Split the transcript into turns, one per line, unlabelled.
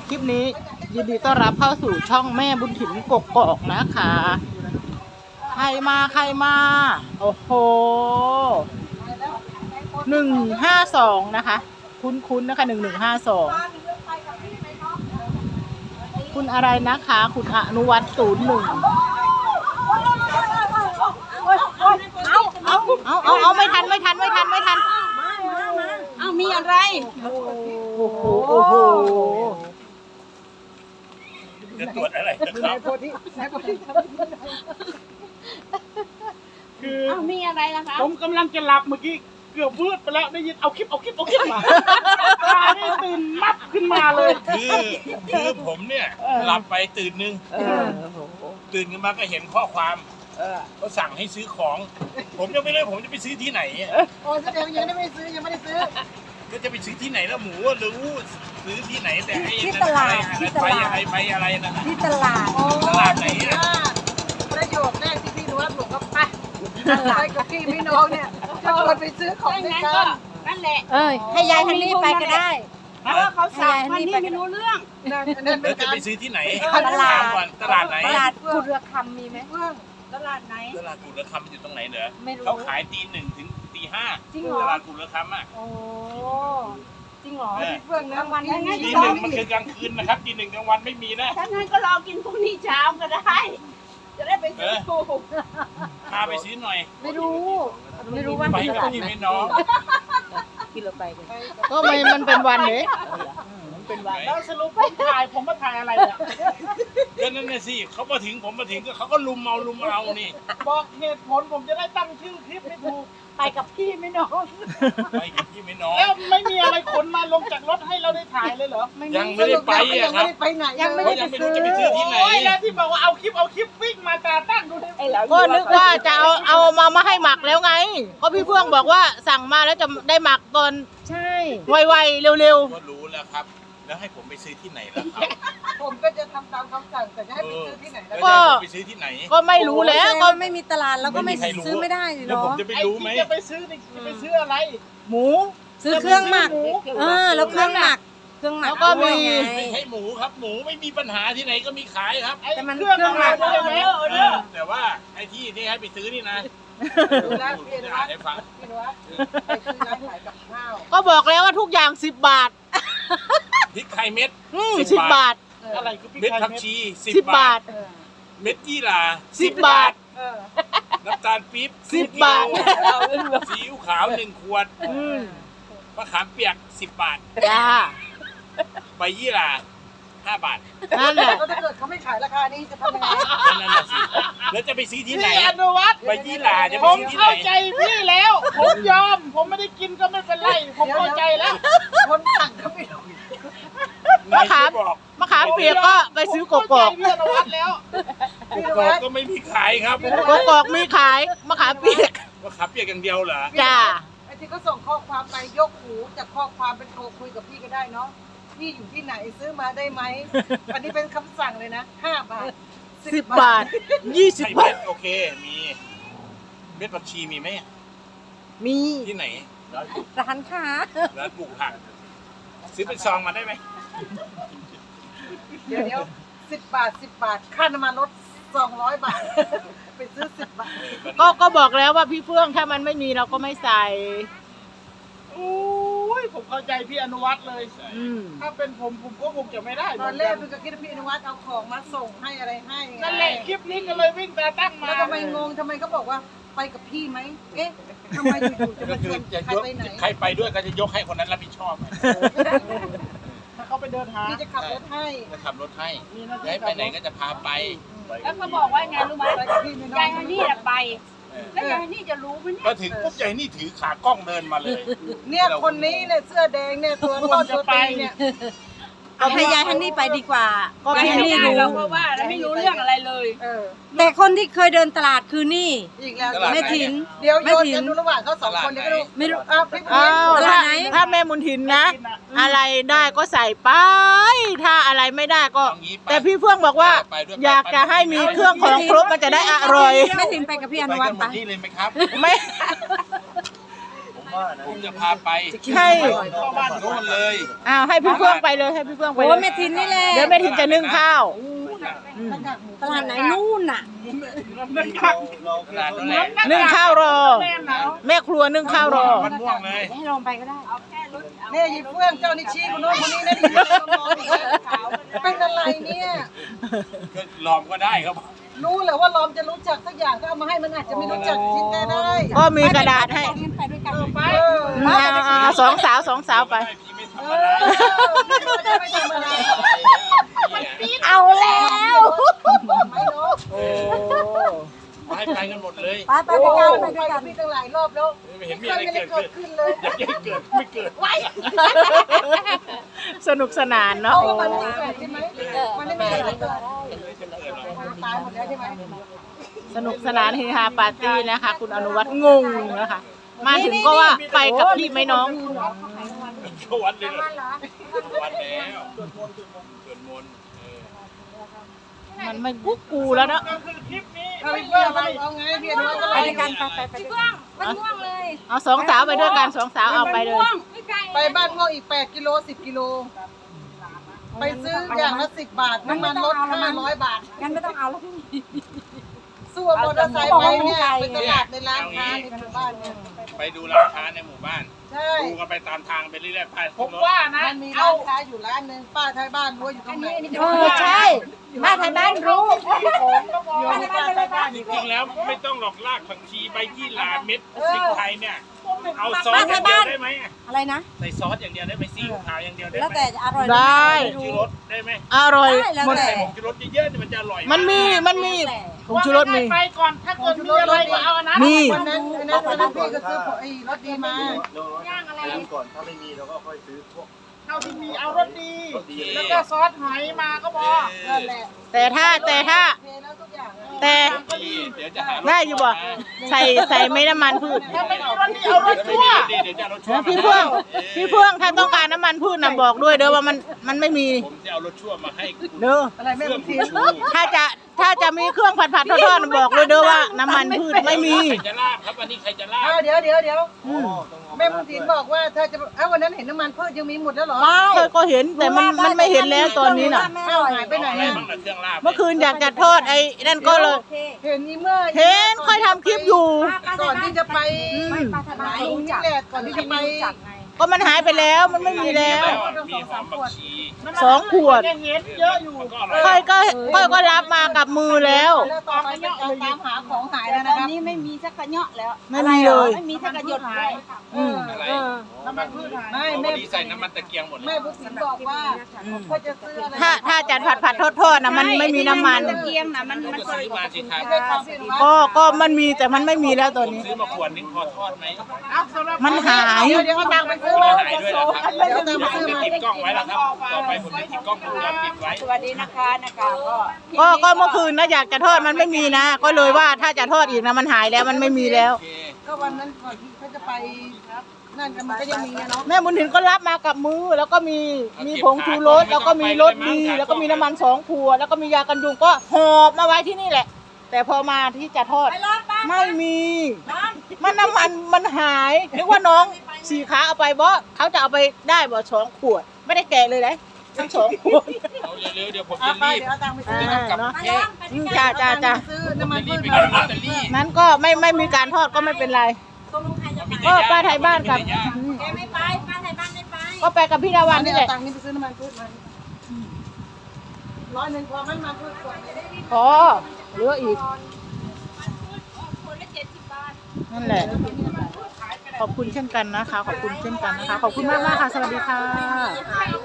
คลิปนี้ยินดีต้อนรับเข้าสู่ช่องแม่บุญถิ่นกกอกนะคะใครมาโอ้โห152นะคะคุ้นนะคะ1152คุณอะไรนะคะคุณอนุวัฒน์01เอาไม่ทัน
เอามีอะไร
โอ้โห
จะตรวจอะไรนะครับ
คือมีอะไรล่ะคะ
ผมกำลังจะหลับเมื่อกี้เกือบวืดไปแล้วได้ยินเอาคลิปมาตาได้ตื่นมับขึ้นมาเลย
คือผมเนี่ยหลับไปตื่นนึงตื่นขึ้นมาก็เห็นข้อความก็สั่งให้ซื้อของ ผมยังไม่รู้ผมจะไปซื้อที่ไหน
โอ้แสดงยังไม่ได้ซื้อ
ก็จะไปซื้อที่ไหนแล้วหมูรู้ซื้อที่ไหนแต่ให้
ที่ตลาด
ไปอะไรนะ
ที่ตลาด
ตลาดไหน
ประโยคแรกที่พี่รู้ว่าผมก็ไปกับพี่น้องเนี่ยจะชวนไปซื้อของด้วยกันนั่นแหละให้ยายฮันนี่ไปก็ได้เพราะว่าเขาสั่งฮันนี่ไม่รู้เรื่อง
แล้วจะไปซื้อที่ไหน
ตลาด
ไหน
ตลาดกุฎระคำมีไหมตลาดไหน
ตลาดกุฎระคำอยู่ตรงไหนเหรอเขาขายตี 1 ถึงตี 5ตลาดกุฎระคำอ่ะ
โอ้จริงเหรอพี่เฟื่องนะวันนี้
ตี 1มันคือกลางคืนนะครับตี 1กลางวันไม่มีนะ
ถ้างั้นก็รอกินพรุ่งนี้เช้าก็ได้จะได้ไปซื้อ
พาไปซื้อหน่อย
ไม่รู้ว่า
ไปกับพี่น้อง
ที่เราไปกันก็มันเป็นวันเด้
เป็นวันแล้วสรุปผมมาถ่ายอะไรอ่ะ
ก็นั่นน่ะสิเขามาถึงผมมาถึงก็เขาก็ลุมเอานี่
บอกเหตุผลผมจะได้ตั้งชื่อคลิปให้ถูก
ไปกับพี่ไม่น้อง
แล้วไม่มีอะไรขนมาลงจากรถให้เราได้ถ่ายเลยเหรอ
ยังไม่ได้ไปอ่ะครับ
ยังไม่ได้
รู้จะไปซื้อที่ไหน
แล้วที่บอกว่าเอาคลิปวิ่งมาตาตั้งดูได้
ก็นึกว่าจะเอามาให้หมักแล้วไงก็พี่เฟื่องบอกว่าสั่งมาแล้วจะได้หมักตอน
ใช่
ไวๆเร็ว
ๆก็รู้แล้วครับแล้วให้ผมไปซื้อที่ไหนล่ะครับ
ผมก็จะทำตามคำสั่งแต่จะให้ไปซื้อที่ไหนแล้ว
ก็ไปซื้อที่ไหน
ก็ไม่รู้แล้วก็
ไม่มีตลาดแล้วก็ไม่ซื้อไม่ได้
เนาะแล้วผมจะไปรู้ไหม
จะไปซื้ออะไร
หมู
ซื้อเครื่องหมักแล้วเครื่องหมัก
แล้วก็มี
ไม่ใช่หมูครับหมูไม่มีปัญหาที่ไหนก็มีขายครับ
แต่มันเครื่องหมักใช่ไหม
แต่ว่าไอ้ที่ให้ไปซื้อนี่นะ
ดูแลพี่นวัด
ให้ฟัง
ไปซื้อร้านขายกับข้าว
ก็บอกแล้วว่าทุกอย่าง10 บาท
พริกไทยเม็ด
10 บาท
อะไรคือพริก
เม็ด
ไทย
ผักชี
10 บาท
เม็ดยี่หร่า
10 บาท
น้ำตาลปี๊บ
10 บาท
ซีอิ๊วขาว1 ขวดมะขามเปียก10 บาท
จ้า
ใบยี่หร่า5 บาท
นั่นแหละ
ถ้าเกิดเขาไม่ขายราคานี้จะทำยังไง
นั่นแหละสิแล้วจะไปซื้อที่ไหน
อนุวัฒน์
ใบยี่หร่าจะไปซื้อที่ไหน
ผมเข้าใจพี่แล้วผมยอมผมไม่ได้กินก็ไม่เป็นไรผมเข้าใจแล้ว
คนสั่งก็ไม่รู้
มะขามเปียกก็ไปซื้อกกอก
พี่อนุวัฒน์แล้ว
กอกก็ไม่มีขายครับ
กกอกมีขายมะขามเปียก
อย่างเดียวเหรอ
จ้า
ไอ้ที่เขาส่งข้อความไปยกหูจากข้อความเป็นโทรคุยกับพี่ก็ได้เนาะพี่อยู่ที่ไหนซื้อมาได้ไหมอันนี้เป็นคำสั่งเลยนะ5 บาท
10 บาท20 บาท
โอเคมีเม็ดผักชีมีไหม
มี
ที่ไหน
ร้านค้า
ร้านปลูกผักซื้อเป็นซองมาได้ไหม
เดี๋ยว10 บาทค่าน้ำมันรถ200 บาทไปซื้อ10 บาท
ก็บอกแล้วว่าพี่เฟื่องถ้ามันไม่มีเราก็ไม่ใส่
ผมเข้าใจพี่อนุวัฒน์เลยถ้าเป็นผมก็คงจะไม่ได้
ตอนแรกมันก็คิดว่าพี่อนุวัฒน์เอาของมาส่งให้อะไรให้
นั่นแหละคลิปนี้ก็เลยวิ่งตาตั้งมา
แล้วทำไมงงทำไมเขาบอกว่าไปกับพี่ไหมเอ๊ะทำไมอยู่ๆจะมาชวนใครไปไหน
ใครไปด้วยก็จะยกให้คนนั้นรับผิดชอบ
ถ้าเขาไปเดินหา
พี่จะขับรถให้
ย้ายไปไหนก็จะพาไป
แล้วเขาบอกว่าไงรู้ไหมยายฮันนี่ไปแล้วยายนี่จะรู้ไหมเนี่ย
ก็ถึงปุ๊บยายนี่ถือขากล้องเดินมาเลย
เนี่ยคนนี้เนี่ยเสื้อแดงเนี่ยตัวต้นตัวตีเนี่ยเอาให้ยายฮันนี่ไปดีกว่าก็ยายฮันนี่รู้เพราะว่าไม่รู้เรื่องอะไรเลยแต่คนที่เคยเดินตลาดคือนี่อีกแล้วแม่ถินเดี๋ยวโยนกันดูระหว่างเขา2 คนเดี๋ยวก็ดูไม่รู้
ถ้าแม่บุญถิ่นนะอะไรได้ก็ใส่ไปถ้าอะไรไม่ได้ก็แต่พี่เฟื่องบอกว่าอยากจะให้มีเครื่องของครบมันจะได้อร่อย
แม่ถินไปกับพี่อนุวัฒน์ไป
นี่เลยไหมครับ
ไม่
ผมจะพาไป
ให้
โน่นเลย
อ้าวให้พี่เฟื่องไปเลยให้พี่เฟื่องไป
โอ้
เลย
แม่ทินนี่แหละ
เดี๋ยวแม่ทินจะนึ่งข้าวอืม
ตลาดไหนนู่นน่ะ
ขนาดนั้นแหละ
นึ่งข้าวรอ แม่ครัวนึ่งข้าวรอ
มันม่วงเลย
ให้ลองไปก็ได้
เนี่ยยิเฟื่องเจ้านิชีคนโน้นคนนี้นะที่นอนอยู่เป็นอะไรเนี่ย
ก็ลอมก็ได้ครับ
รู้เลยว่าลอมจะรู้จักสักอย่างก็เอามาให้มันอาจจะไม่รู้จักชิ้นก็ได้
ก็มีกระดาษให้
ไปด้วยกัน
ไป
เอาสองสาวไป
พี่ไม่ทำอะไร
ไม่ทำอะไร
เอาแล้ว
ไม่เนาะ
โอ้
ให้ไปกันหมดเลย
ไปไปด้วยกันไป
ไป
ด้วยกั
กัน บพี่ตั้งหลายรอบแล้ว
ไม่เห็นมีอะไรเกิด
เกิ
ขึ้
ด
น
ขึ้นเลย
อยากให้เกิดไม่เกิด
สนุกสนานเนาะ
เพราะว่ามันไม่เกิดใช่ไหมมันไม่มีอะไรเกิดตายหมดแล้วใช่ไหม
สนุกสนานเฮฮาปาร์ตี้นะคะ คุณอนุวัฒน์งงนะคะ มาถึงก็ว่าไปกับพี่ไหมน้อง
เข้าวัดเลยเหรอวัดแล้วสวดมนต์
มันไม่กุ๊กกูแล้วเนาะ
ก็คือคลิปนี้
เอาพี่เฟื่องเอาไงพี่อนุวัฒน์
ไป
อะไร
ด้วยกันไปด้วยกันมันง่วงเลย
เอาสองสาวไปด้วยกันสองสาวเอาไปเลย
ไปบ้านพ่ออีก8กิโล10กิโลไปซื้ออย่างละ10 บาทน้ำมันลด500 บาท
งั้นไม่ต้องเอาแล้วพี่
สู้มอเตอร์ไซค์ไปเนี่ยไปตลาดในร้านค้าในหมู่บ้านเนี่ย
ไปดูร้านค้าในหมู่บ้าน
ใช่
ดูกันไปตามทางไปเรื่อยๆไป
ผมว่านะ
มันมีร้านค้าอยู่ร้านหนึ่งป้าท้ายบ้านรู้ว่าอยู่ตรงไหน
ใช่บ้านไทยบ้านรู้
อยู่ที่ป้าท้ายบ้าน
จริงๆแล้วไม่ต้องหลอกลากผักชีใบยี่หร่าเม็ดพริกไทยเนี่ยเอาซอสอย่างเดียวได้ไหม
อะไรนะ
ใส่ซอสอย่างเดียวได้ไหมซีอิ๊วขาวอย่างเดียวได้
แล้ว
ไหม
แต่จะอร่อย
ได้
ชูรสได้ไหม
อร่อย
ได้แล้ว
หมด
แต่
ใส่ผงชูรสเยอะๆมันจะอร่อย
มันมีผงชูรสมี
ไปก่อนถ้าเกิดมีอะไรก็เอาอันนั้น
มี
วันนั้นพี่ก็ซื้อไอ้รถดีมา
ก่อนถ้าไม่มีเราก็ค่อยซื้อพวก
เท่าที่มีเอารสดี แล้วก็ซอสหอยมาก็พอ
นั่นแหละ
แต่ถ้า
เทแล้วทุกอย่าง
แต่
เดี๋ยวจะหารส
ได้อยู่บ่ใส่ไม่น้ำมันพืช
ถ้าไม่มีรสดีเอารสชั่ว
เดี๋ยวจะเอารสชั่ว
พี่เฟื่องถ้าต้องการน้ำมันพืชนะบอกด้วยเด้อว่ามันไม่มี
ผมจะเอารสชั่วมาให้คุณ
เด้อ
อะไรแม่
เพื่อ
บุญ
คุ
ทิ
ณ
น
ชู
ถ้าจะมีเครื่องผัดทอดๆบอกด้วยเด้อว่าน้ำมันพืชไม่มี
ใครจะลาบครับวันนี้ใครจะลาบ
เดี๋ยวแม่บุญทินบอกว่าถ้าจะวันนั้นเห็นน้ำมันพืชยังมีหมดแล้วเหรอ
เคยก็เห็นแต่มันไม่เห็นแล้วตอนนี้น่ะ
เอ้าหายไปไหน
อะไร
อ่ะ
บ้างล่ะเครื่องลาบ
เมื่อคืนอยากจะทอดไอ้นั่นก็เลย
เห็นนี่เมื่อ
เห็นค่อยทำคลิปอยู่
ก่อนที่จะไป
ป้าไทยบ้าน
ลุงนี่แหละก่อนที่จะไป
ก็มันหายไปแล้วมันไม่มีแล้ว
มีหอมผักชี
2 ขวด
ยังเห็นเยอะอยู่
มันก็อร่อย
ค่อยก็รับมากับมือแล้ว
แล้วต่อไปเป็นการตามหาของหายแล้ว
ต
นะ
อน
ครับ
นี้ไม่มีสักกระเนาะแล้ว
ไม่มีเลย
ไม่มีสักกระหยดเลย
อืม
อะไร
น้ำมันพืชหาย
ไม่
พ
แม่
อดีใส่น้ำมันตะเกียงหมดเล
แม่
ย
บุญทินบอกว่าก็จะซื้ออะไร
ถ้าจะผัดทอดนะมันไม่มีน้ำมัน
ตะเกียงนะมัน
ก็ซื้อมาสิครับ
ไม่ได้ความผิดว่า
ก็มันมีแต่มันไม่มีแล้วตอนนี้
ซื้อมาขวดนึงพอทอดไหม
เอาสำหรับ
มันหาย
เดี๋ยวเอาตังค์ไปซื้อ
ไม่
มา
หายด้วยนะครับ
เดี๋ยวตังค์ไปซื้อ
จะ
มา
ติดกล้องไว้แล้วครับ ต่อไปผมจะติดกล้องวงจรปิดไว้
สวัสดีนะคะก็
ก็เมื่อคืนนะอยากจะทอดมันไม่มีนะ ก็เลยว่าถ้าจะทอดอีกนะมันหายแล้วมันไม่มีแล้ว
โอเค
ก็วันนั้นก่อนที่เขาจะไปนั่นกันมันก็ยังมีเนาะ
แม่บุญถิ่นก็รับมากับมือแล้วก็มีผงชูรสแล้วก็มีรสดีแล้วก็มีน้ำมัน2 ขวดแล้วก็มียากันยุงก็หอบมาไว้ที่นี่แหละ แต่พอมาที่จะทอดไม่มีมันน้ำมันมันหายนึกว่าน้องสีขาเอาไปบ่เขาจะเอาไปได้บ่2 ขวด ไม่ได้แกะเลยเลยทั้ง2 ขวด
เอาเร็วๆเดี๋ยวผม
เอา
จะ
ไป
รีบ
เดี๋ยวเอาตังค์ไปซื้อ
เนาะ
เอ๊ะ
จ้า
ซื้อน้ำมัน
รี
พื
บ
ช
ไป
มา
กินลอตเตอรี่
นั้นก็ไม่มีการทอดก็ไม่เป็นไรก็ป้าไทยบ้านกับอืม
แกไม่ไปป้าไทยบ้านไม่ไป
ก็ไปกับพี่ดาวันนี่แหละ
เอาตังค์นี้ไปซื้อน้ำมันพืชมา100พอไหมน้ำมันพืชขวดนี้
พอเหลืออีกนั่นแหละ ขอบคุณเช่นกันนะคะ ขอบคุณเช่นกันนะคะ ขอบคุณมากค่ะ สวัสดีค่ะ